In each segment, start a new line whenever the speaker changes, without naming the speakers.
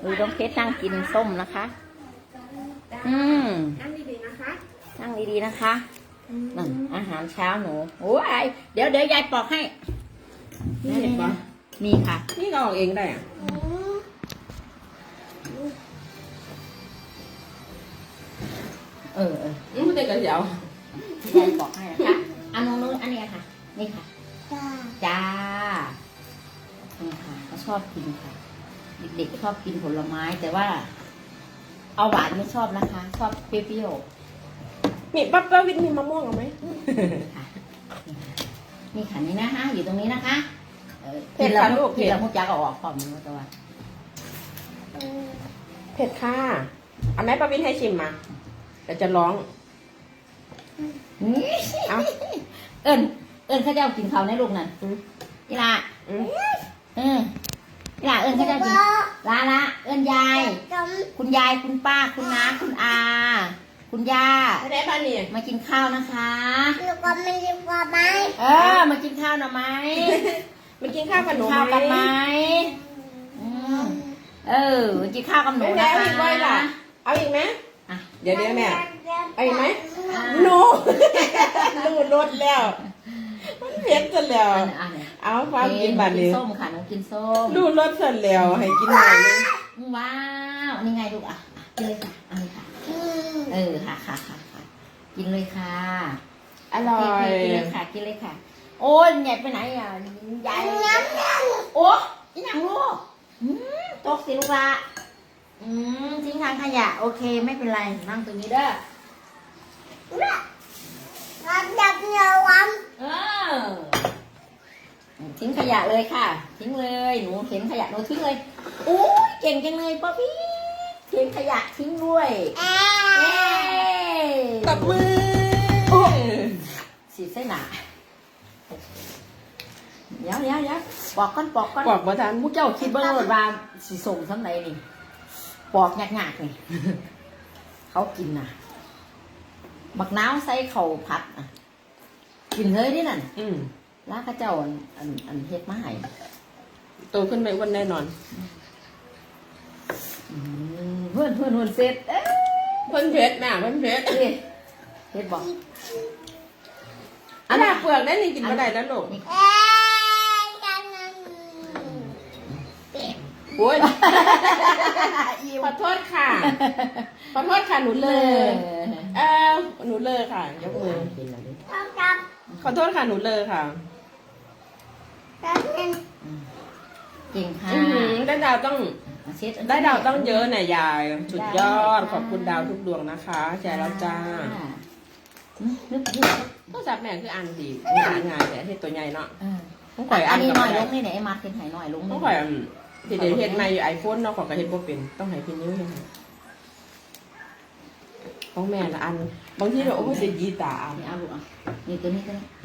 ดูน้องเพชรนั่งกินส้มนะคะ
นั่งดีๆนะคะ
นั่งดีๆนะคะนั่นอาหารเช้าหนูโอ้ยเดี๋ยวยายปอกให้
นี่เห็นปะ
มีค่ะ
นี่ก็ออกเองได้อะ มันเป็นกระเจียวย
ายปอกให้นะคะอันนู้นอันนี้ค่ะ นี่ค่ะ จ้านี่ค่ะเขาชอบกินค่ะ เด็กๆก็ชอบกินผลไม้ แต่ว่า เอาหวานไม่ชอบนะคะ ชอบเปรี้ยวๆ
มีป้าวิทย์มีมะม่วงเอาไหม
ค่ะนี่ค่ะนี่นะคะอยู่ตรงนี้นะคะ
เผ็ดค่ะลูก
ที่เราพูดจาก็ออกความรู้ตัว
เผ็ดค่ะเอาไหมป้าวิทย์ให้ชิมมาเดี๋ยวจะร้อง เอา
เอิญเขาจะเอากินเขาในลูกนั่นนี่ละนี่ละเอิญเขาจะกินละเอิญยาย คุณยายคุณป้าคุณน้าคุณอา คุณย่า
ไม่ได้ป้านี่
มากินข้าวนะคะ มากินข้าวหน่อยไหม
มากินข้าวกับหนู
ข้าวกันไหมมากินข้าวกับหนู
แม่
นะคะ
เอาอีกไหมล่ะเอาอีกไหมเดี๋ยวแม่เอาอีกไหมหนูรถแล้วมันเผ็ดจนแล้วเอาความกินบัตร
กิ
นี้
นส้มค่ะหนูกินส้ม
ดูรถเสร็จแล้วให้กินหน่อยนึง
ว้าวนี่ไงลูกกินเลยค่ะเอาเลยค่ะค่ะกินเลยค่ะ
อร่อย
กินเลยค่ะกินเลยค่ะ โอ้ยใหญ่ไปไหนอ่ะยายโอ้ยยังลูกตกสิลูกละทิ้งทางขยะโอเคไม่เป็นไรนั่งตรงนี้เด้อทิ้งขยะเลยค่ะทิ้งเลยหนูเห็นขยะหนูทิ้งเลยโอ้ยเก่งจังเลยป๊อปปี้ทิ้งขยะทิ้งด้วย
ตบมือ
สีเส้นหนาเดี๋ยวปอกก้อน
ปอกบ่ทัน
มูเจ้าคิดเบิ้งรถว่าสีส่งสำไหนนี่ปอกยากๆนี่เขากินน่ะบักน้าวใส่เข่าผัดกินเฮ้ยนี่นั่นแล้วข้าเจ้าอันเฮ็ดมาให้
โตขึ้นไปวันแน่นอน
เพื่อนเสร็จ
เพิ่นเพชรแม่เพิ่นเพชร
เฮ็ดบอก
อันนี้เปลือกได้นี่กินมาได้แล้วลูกโอ้ยขอโทษค่ะหนูเลยหนูเลยค่ะยกมือขอโทษค่ะหนูเลยค่ะ
เก่งค่ะ
ได้ดาวต้องเยอะน่ะยายสุดยอดขอบคุณดาวทุกดวงนะคะแชร์แล้วจ้าก็จับแม่คืออันดีอ่านงานแต่ที่ตัวใหญ่เนาะต้องข่อยอัน
นี้หน่อยลงนี่ไหนไอ้มาร์คเป็นไห่หน่อยลง
ต้องข่อยที่เดี๋ยวเฮ็ดใหม่อยู่ไอโฟนเนาะของกระเฮ็ดบ่เป็นต้องให้พี่นิ้วเฮ็ดให้ของแม่ละอันบางทีเราโอ้ยจะยีตาอัน
นี่เอาลูกนี่ตัวนี้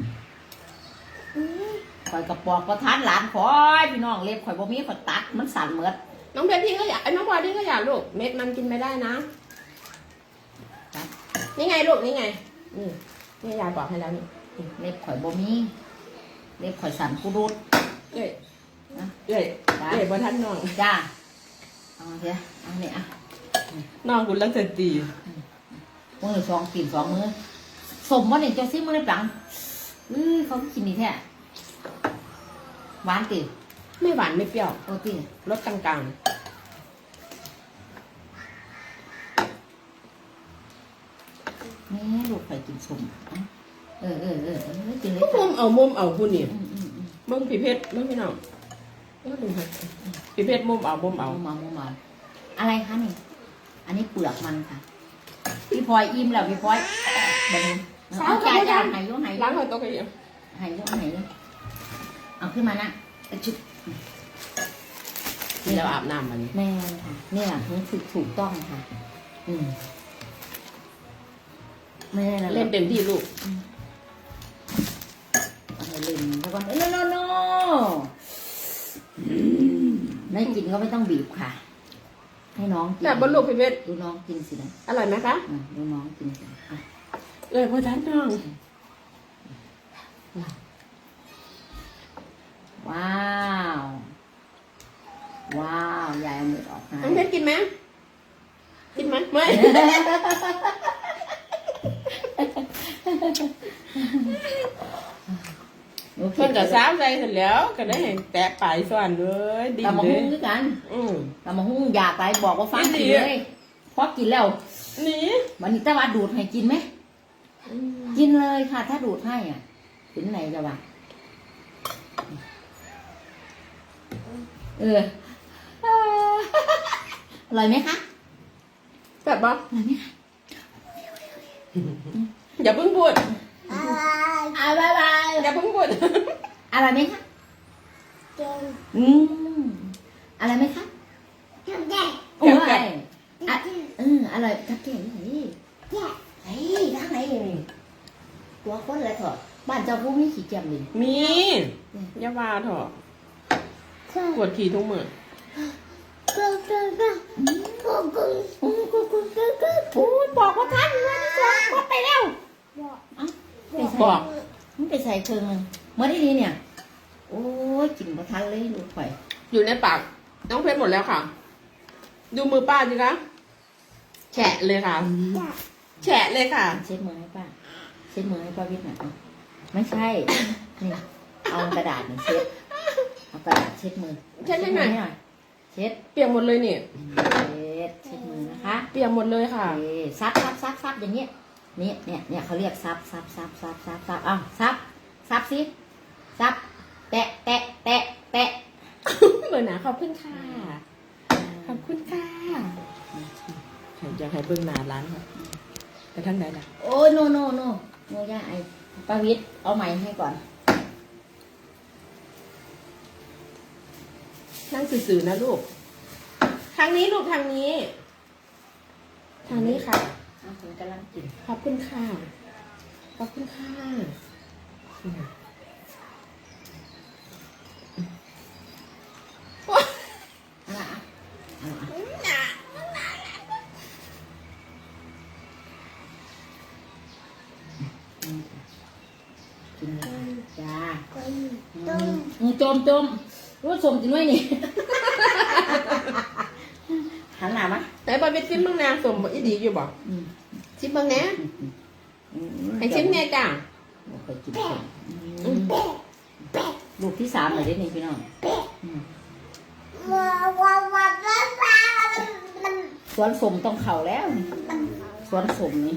ข่อยกระปอกประทานหลานข่อยพี่น้องเล็บข่อยบ่มีข่อยตัดมันสั่นเหมือด
น้องเพชรพี่ก็อยากน้องพลอยพี่ก็อยากลูกเม็ดมันกินไม่ได้นะนี่ไงลูกนี่ไงนี่ยายบอกให้แล้วนี่
เล็บข่อยบ่มีเล็บข่อยสั่นกูรูด
เอ้ยบ่ทันน้อง
จ้าเอาเถอะเอาเนี่ย
น้องกูเลิกจะตี
มือสองกิน2 มื้อสมว่าเนี่ยเจ้าซิมือในปังเขากินนี่แท้หวานติ
ไม่หวานไม่เปรี้ยว
โอ้ติ
รสกลาง
แม่ลูกข่อยกินสมกินเลย
ๆมุมเอาผู้นี่มึงผีเพชรมึงพี่น้องดูค่ะผีเพชรมุมเอา
อะไรคะนี่อันนี้เปลือกมันค่ะพี่พลอยอิ่มแล้วพี่พลอยแบบนี้เอาจ่ายหายยุ่ง
ล้างหัวโต๊ะกันยัง
หายยุ่งเอาขึ้นมานะชุด
นี่เราอาบน้ำมัน
แม่ค่ะนี่แหละถูกต้องค่ะแม่
เล่นเต็มที่ลูก
เล่นแล้วก็โนไม่กินก็ไม่ต้องบีบค่ะให้น้องกิน
แต่บนลูกพี่เพชร
ดูน้องกินสินะ
อร่อยไหมคะ
ดูน้องกินสิ
เลยพ่อท่านน้อง
ว้าวว้าวยายเอามือออกให้
น้องเพชรกินไหมกินไหมไม่
โอเค
เพิ่นก็สาวใจเสร็จแล้วก็ได้เห็นแตะปลายส่วนเลยดี
ตำมะ
เล
ฮุ่
ย
งด้วยกัน
อืม
ตำมะฮุ่งอยากไปบอกว่าฟัง
ดี
กิน
ดี
เลยพอกินแล้ว
นี่
วันนี้ตะวันดูดให้กินไหมกินเลยค่ะ ถ้าดูดให้อ่ะถึงไหนจะว่าเอออร่อยไหมคะ
แบบว่า
อร่อยไหมคะ
อย่าเพิ่งพูด
อ่าบายบาย
อย่าเพิ่งพูด
อร่อยไหมคะอืมอร่อยไหมคะโอ้ยอ่ะอร่อยทักแก่ไหนไอ้ทางไหนตัวคนอะไรเถอะบ้านเจ้าผู้มีขี้เกียจเลย
มีอย่าว่าเถอะปวดขี่ทุกมื้อ
โอ้ยบอกว่าท่านว่าที่สองก็ไปแล้วไปใส่
บอก
มันไปใส่เครื่องนึงเมื่อที่นี้เนี่ย โอ้ยกินบ่ทันเลยลูกข่อย
อยู่ในปากน้องเพชรหมดแล้วค่ะ ดูมือป้าสิคะแฉะเลยค่ะ แฉะเลยค่ะ
เช็ดมือให้ป้าเช็ดมือให้ป้าวิทย์หน่อยเอาไม่ใช่นี่เอากระดาษนี่เช็ดเอากระดาษเช็ดมือ
เช็ดให้หน่อย
เช็ด
เปียกหมดเลยนี่
เช็ดมือนะคะ
เปียกหมดเลยค่ะ
โอเคซับอย่างเงี้ยเนี่ยเขาเรียกซับอ้าวซับสิซับแตะ
เบอร์หนาขอบคุณค่ะ ขอบคุณค่ะอยากให้เบิ่งหนาร้านค่ะไปทางไหนล่ะ
โอ้ยโนย่าไอป้าวิทย์เอาไม้ให้ก่อน
นั่งสื่อๆนะลูก ทางนี้ลูกทางนี้ ทางนี้ค่ะ
เอาผมกำลังกิน
ขอบคุณค่ะ ขอบคุณค่ะ
เอากินเลยจ้าจมรู้สมจริงไหมนี่หันหน้ามา
ไหนบอยไปชิมบ้างนะสมอีดีอยู่บ่ชิมบ้างนะให้ชิมแน่จ้า
เคยกินลูกที่สามเลยได้นี่พี่น้องสวนสมต้องเข่าแล้วนี่สวนสมนี่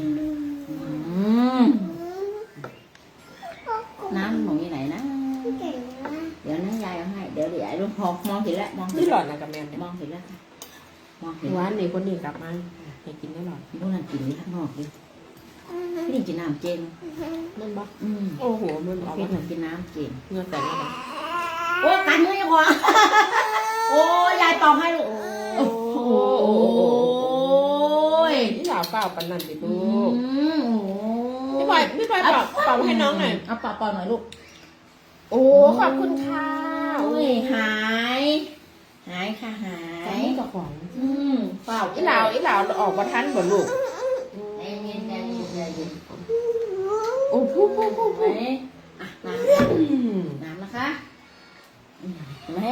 น้ำหนูอยู่ไหนนะเดี๋ยวนะยายเอาให้เดี๋ยวไอ้ลูกมองเห็นแล้วมองเห็
นี่
น
หล
แล้ว
อดนะกับแม่เนี่ย
มองเห็นแล้วมองเห็น
หวานนี่คนนี้กลับมาให้กินได้หลอด
พวกนั้นกินนี่ข้างนอกดิพี่นี่กินน้ำเจง
มันบ่โอ้โหมันออก
พี่
มา
นี่กินน้ำเจง
เงือกแต่ละแบบ
โอ้กันมือยังหัวโอ้ยายเป่าให้ลูกโอ้ย
นี่หลาเปล่าปันนั่นสิลูกพี่บอยเป่าให้น้องหน่อย
เอาเป่าหน่อยลูก
โอ้ขอบคุณค่ะ
โอ้ยหายค่ะหา
ใจ
ย
กับของ
เป่า
อีหลาวออกมาทันบ่ลูก
ใจเย็น
โอ้พู
ไหมอ่ะน้ำนะคะเห็นไหม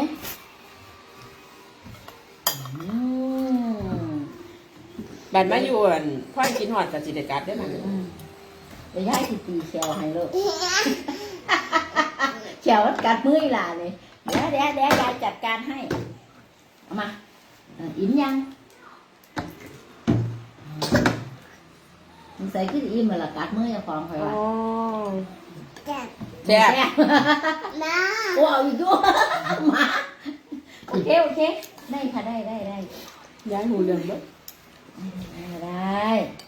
บันมาอยู่พ่อกินหอดกับจิตรกัดได้ไหม
เดี๋ยวย้ายสิตีเขียวให้ลูกเขียวกัดมืออีหล่าเลยเดี๋ยวยายจัดการให้เอามาอิ่มยังมันใส่ขึ้นอิ่มมาละกัดมืออย่าฟองคอยว่า
แซ่บ
โอ้เอาอีกด้วยมาโอเคได้ค่ะได้
ย้ายหูเรืองเบ้อ
ได้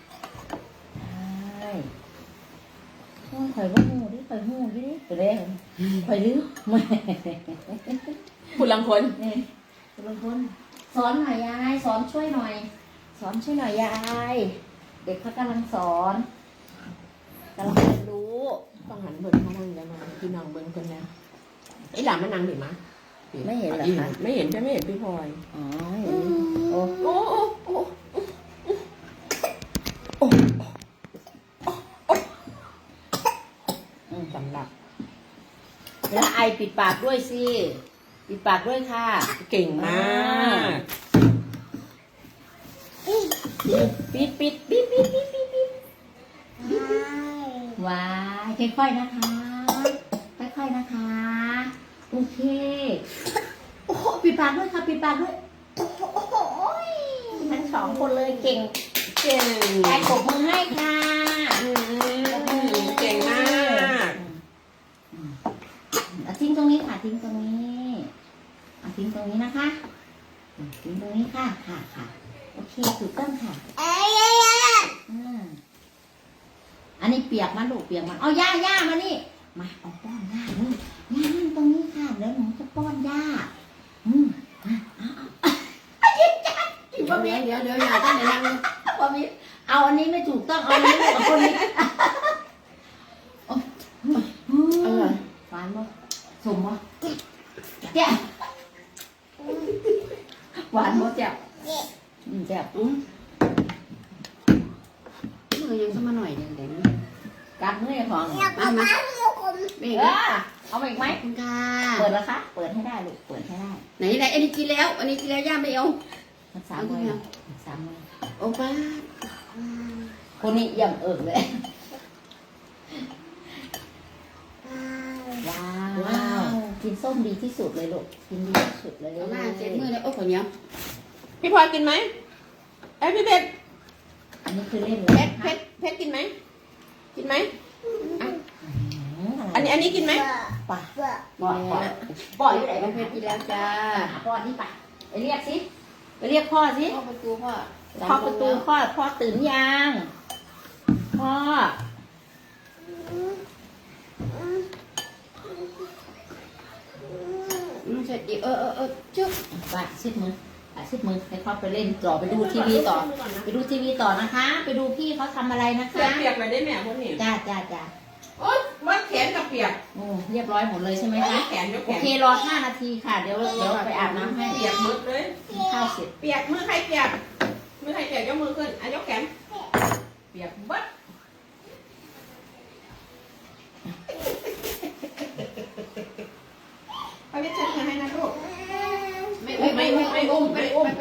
ข่อยว่าหูดิข่อยหูดิไปเลยข่อยดื้อไม่
คุณลังคน
นี่บางคนสอนหน่อยยายสอนช่วยหน่อยยายเด็กเขากำลังสอนกำลังเรียนรู้
ต้องหันเบิ่งมานั่งแล้วมาพี่น้องเบิ่งคนแล้วไอ้หลานมันนั่งหรือมั้ย
ไม่เห็นเหรอคะ
ไม่เห็นใช่ไม่เห็นพี่พลอย
อ๋อเห็นโอ้
โอ้สำหรับ
แล้วไอปิดปากด้วยสิปิปิดปากด้วยค่ะ
เก่งมาก
ปิดปิดปิดปิดปิดปิดปิดว้ายค่อยๆนะคะค่อยๆนะคะโอเคโอ้โหปิดปากด้วยค่ะปิดปากด้วยโอ้โหทั้งสองคนเลยเก่ง
เก่ง
แกปรบมือให้ค่ะ
เก่งมาก
ทิ้งตรงนี้ค่ะทิ้งตรงนี้ทิ้งตรงนี้นะคะทิ้งตรงนี้ค่ะค่ะโอเคถูกต้องค่ะอันนี้เปียกมันลูกเปียกมันเอาย่ามานี่มาเอาป้อนย่าเลยย่านั่งตรงนี้ค่ะเดี๋ยวหนูจะป้อนย่า
เดี๋ยวอย่าตั้งในนั่ง
ป้อนนี้เอาอันนี้ไม่ถูกต้องเอาอันนี้ไม่เอาคนนี้หวานบ่สมบ่แจ่หวานบ่แจ่แจ่
มือยังขึ้นมาหน่อยเดี๋ยว
กัดมือของ
มาไม่
เอามาอีกไหม
ค่ะ
เปิดแล้วคะเปิดให้ได้ลูกเปิดให้ได้
ไหนอันนี้กินแล้วย่าไม่เอา
มัน3 มือ3 มือ
โอ้ป้า
คนนี้ยังเอิบเลยว้าวกินส้มดีที่สุดเลยลูกกินดีที่สุดเลย
เอามาเจ็บมือแล้วโอ้คนเนี้ยพี่พลอยกินไหมพี่เพชร
อันนี้คือเล่น
เพชรกินไหมอันนี้กินไหม
ป่ะป่อยอยู่ไหน
เพชรกินแล้วจ้า
ป่อนี่ป่ะไปเรียกสิไปเรียกพ่อสิ
พ่อประตูพ่อ
พ่อประตูพ่อตื่นยังพ่อ
เสร็จดิจุ๊บ
ไปซิดมือให้เขาไปเล่นต่อไปดูทีวีต่อนะคะ ไปดูพี่เขาทำอะไรนะคะ
เปียกไปได้แม่พวกนี้
จ้า
โอ๊ยวัดแขนกับเปียก
โอ้เรียบร้อยหมดเลยใช่ไหมคะ
แขนยกแข
โอน เครอ5 นาทีค่ะเดี๋ยวไปอาบน้ำให้
เปียกมืดเลย
กินข้าวเสร็จ
เปียกมือใครเปียกยกมือขึ้นยกแขนเปียกบัดไปเช็ดให้นะลูกไม่อุ้ม